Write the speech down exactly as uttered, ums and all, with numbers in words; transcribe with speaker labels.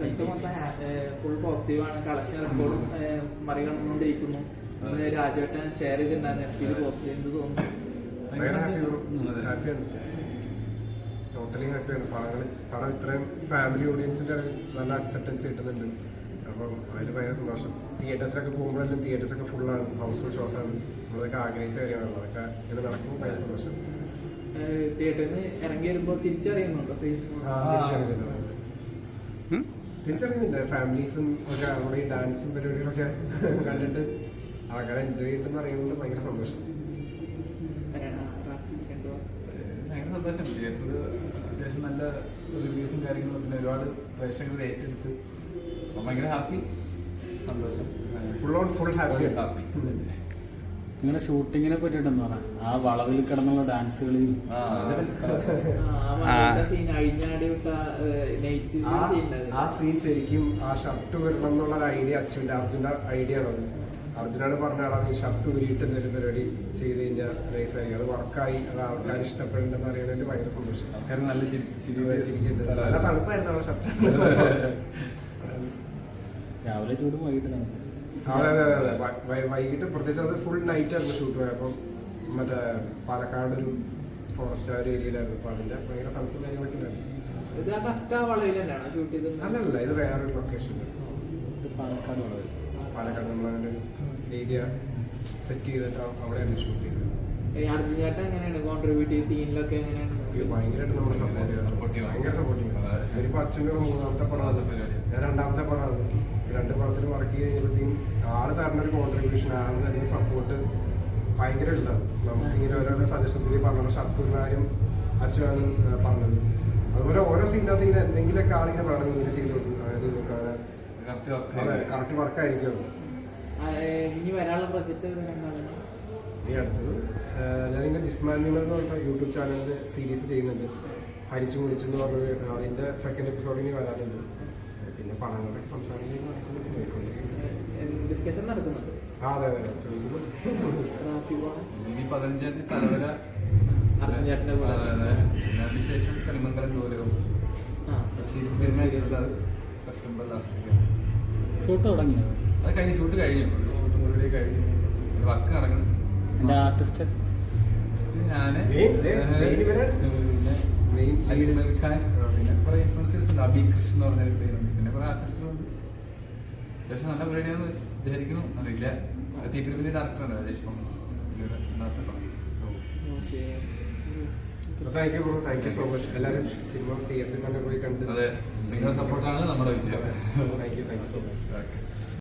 Speaker 1: Result മൊത്തം full പോസിറ്റീവാണ്. Collection റെക്കോർഡും മറികടന്നുകൊണ്ടിരിക്കുന്നു. രാജേട്ടൻ ഷെയർ ചെയ്തിട്ടുണ്ടായിരുന്നു പോസിറ്റീവ് എന്ത് തോന്നുന്നു?
Speaker 2: ടോട്ടലി ഹാപ്പിയാണ്. പടങ്ങൾ പടം ഇത്രയും ഫാമിലി ഓഡിയൻസിന്റെ നല്ല അക്സെപ്റ്റൻസ് കിട്ടുന്നുണ്ട്. അപ്പം അതിന് ഭയങ്കര സന്തോഷം. തിയേറ്റേഴ്സിലൊക്കെ പോകുമ്പോഴെല്ലാം തിയേറ്റേഴ്സൊക്കെ ഫുള്ളാണ്, ഹൗസ്ഫുൾ ഷോസ് ആണ്. നമ്മളതൊക്കെ ആഗ്രഹിച്ച കാര്യമാണല്ലോ, അതൊക്കെ ഇങ്ങനെ നടക്കുമ്പോൾ ഭയങ്കര സന്തോഷം.
Speaker 1: തിയേറ്ററിൽ നിന്ന് ഇറങ്ങി വരുമ്പോൾ തിരിച്ചറിയുന്നുണ്ടോ?
Speaker 2: തിരിച്ചറിയുന്നുണ്ട്. ഫാമിലീസും ഒക്കെ നമ്മുടെ ഈ ഡാൻസും പരിപാടികളൊക്കെ കണ്ടിട്ട് ആൾക്കാരെ എൻജോയ് ചെയ്തിട്ടെന്ന് അറിയുന്നത് ഭയങ്കര സന്തോഷം.
Speaker 3: ഭയങ്കര സന്തോഷം. തിയേറ്ററിൽ അത്യാവശ്യം നല്ല റിവ്യൂസും കാര്യങ്ങളും പിന്നെ ഒരുപാട് പ്രേക്ഷകർ ഏറ്റെടുത്ത് ഭയങ്കര ഹാപ്പി, സന്തോഷം.
Speaker 2: Full on full happy
Speaker 3: happy.
Speaker 4: ഇങ്ങനെ ഷൂട്ടിങ്ങിനെ പറ്റിട്ടെന്ന് പറ, ആ വളവിൽ കിടന്നുള്ള ഡാൻസുകളിൽ
Speaker 2: ആ സീൻ ശരിക്കും ആ ഷർട്ട് വരണം എന്നുള്ള ഐഡിയ അച്ഛൻ്റെ അർജുൻ്റെ ഐഡിയ ആണ്. അർജുനാണ് പറഞ്ഞ ആളാണ് ഈ ഷർട്ട് ഉരിയിട്ട് എന്തെങ്കിലും പരിപാടി ചെയ്ത് കഴിഞ്ഞാൽ നൈസായിരിക്കും. അത് വർക്കായി, അത് ആൾക്കാർ ഇഷ്ടപ്പെടുന്നുണ്ടെന്ന് അറിയുന്നതിൽ ഭയങ്കര സന്തോഷം.
Speaker 3: ആൾക്കാർ നല്ല ചിരിക്കുന്നത്,
Speaker 2: നല്ല തണുപ്പായിരുന്നു ആ ഷർട്ട്.
Speaker 4: രാവിലെ ചൂടും വൈകിട്ട് തണുപ്പ്.
Speaker 2: അതെ അതെ അതെ വൈകിട്ട് പ്രത്യേകിച്ച് അത് ഫുൾ നൈറ്റ് ആയിരുന്നു ഷൂട്ട് പോയത്. അപ്പം മറ്റേ പാലക്കാട് ഒരു ഫോറസ്റ്റ് ആ ഒരു ഏരിയയിലായിരുന്നു. അപ്പൊ അതിന്റെ ഭയങ്കര തണുപ്പും കാര്യങ്ങളൊക്കെ ഉണ്ടായിരുന്നു. അല്ലല്ല, ഇത് വേറൊരു ലൊക്കേഷൻ.
Speaker 4: ഇത് പാലക്കാട് വളവ്.
Speaker 2: പാലക്കാട് നമ്മളതിന്റെ ഏരിയ സെറ്റ് ചെയ്തിട്ട് അവിടെയാണ് ഷൂട്ട് ചെയ്തത്. ഭയങ്കരമായിട്ട് നമ്മളെ സപ്പോർട്ട് ചെയ്തു, ഭയങ്കര സപ്പോർട്ട് ചെയ്തു. ശരിക്കും അച്ഛൻ്റെ മൂന്നാമത്തെ പടമാണ്, ഞാൻ രണ്ടാമത്തെ പടമാണ്. രണ്ട് പടത്തിൽ വർക്ക് ചെയ്ത് കഴിഞ്ഞപ്പോഴത്തേക്കും ആള് തരുന്ന ഒരു കോൺട്രിബ്യൂഷൻ, ആള് തരുന്ന സപ്പോർട്ട് ഭയങ്കര ഇതാണ്. നമുക്ക് ഇങ്ങനെ ഓരോരോ സജഷൻസിൽ പറഞ്ഞ ഷർട്ട് കാര്യം അച്ഛനാണ് പറഞ്ഞത്. അതുപോലെ ഓരോ സീനകത്ത് ഇങ്ങനെ എന്തെങ്കിലുമൊക്കെ ആളിങ്ങനെ പറയണം, ഇങ്ങനെ ചെയ്ത് കൊടുക്കും, അങ്ങനെ ചെയ്ത് കൊടുക്കും, അതെ കറക്റ്റ് വർക്കായിരിക്കും.
Speaker 1: ഇനി വരാനുള്ള പ്രൊജക്ട്
Speaker 2: ഈ അടുത്തത് ഞാനിങ്ങനെ ജിസ്മാൻ നിമൽ എന്ന് പറഞ്ഞ യൂട്യൂബ് ചാനലിൽ സീരീസ് ചെയ്യുന്നുണ്ട്, ഹരിച്ചു മുടിച്ചു എന്ന് പറഞ്ഞത്. അതിന്റെ സെക്കൻഡ് എപ്പിസോഡ് ഇനി വരാനുണ്ട്. പിന്നെ പടങ്ങളൊക്കെ സംസാരിച്ച്
Speaker 1: ഡിസ്കഷൻ നടക്കുന്നുണ്ട്.
Speaker 2: ആ അതെ അതെ ചോദിക്കുന്നു.
Speaker 3: ഇനി പതിനഞ്ചാം തീയതി തലവര, അതിനുശേഷം കളിമംഗലം ഗൗരവം സെപ്റ്റംബർ ലാസ്റ്റ്
Speaker 4: ഷൂട്ട് തുടങ്ങിയോ?
Speaker 3: അത് കഴിഞ്ഞ് ഷൂട്ട് കഴിഞ്ഞു, ഷൂട്ട് മുഴുവൻ കഴിഞ്ഞു, വർക്ക് നടക്കണം.
Speaker 4: എൻ്റെ ആർട്ടിസ്റ്റ്
Speaker 3: ഞാന് അജ്മൽ ഖാൻ, പിന്നെ കുറെ ഇൻഫ്ലുവൻസേഴ്സ് ഉണ്ട്, അബി കൃഷ്ണൻ എന്ന് പറഞ്ഞ പേരുണ്ട്, പിന്നെ കുറെ ആർട്ടിസ്റ്റുകളുണ്ട്. അത്യാവശ്യം നല്ല പരിപാടിയാണെന്ന് വിചാരിക്കുന്നു. അറിയില്ല, തീപ്പിരിപ്പിന്റെ ഡയറക്ടറാണ് രാജേഷ് പണം.
Speaker 2: Thank you thank you so much. എല്ലാവരും സിനിമ തിയേറ്ററിൽ തന്നെ പോയി കണ്ട്
Speaker 3: അതെ, നിങ്ങളുടെ സപ്പോർട്ടാണ് നമ്മുടെ വിജയം.
Speaker 2: Thank you thank you so much.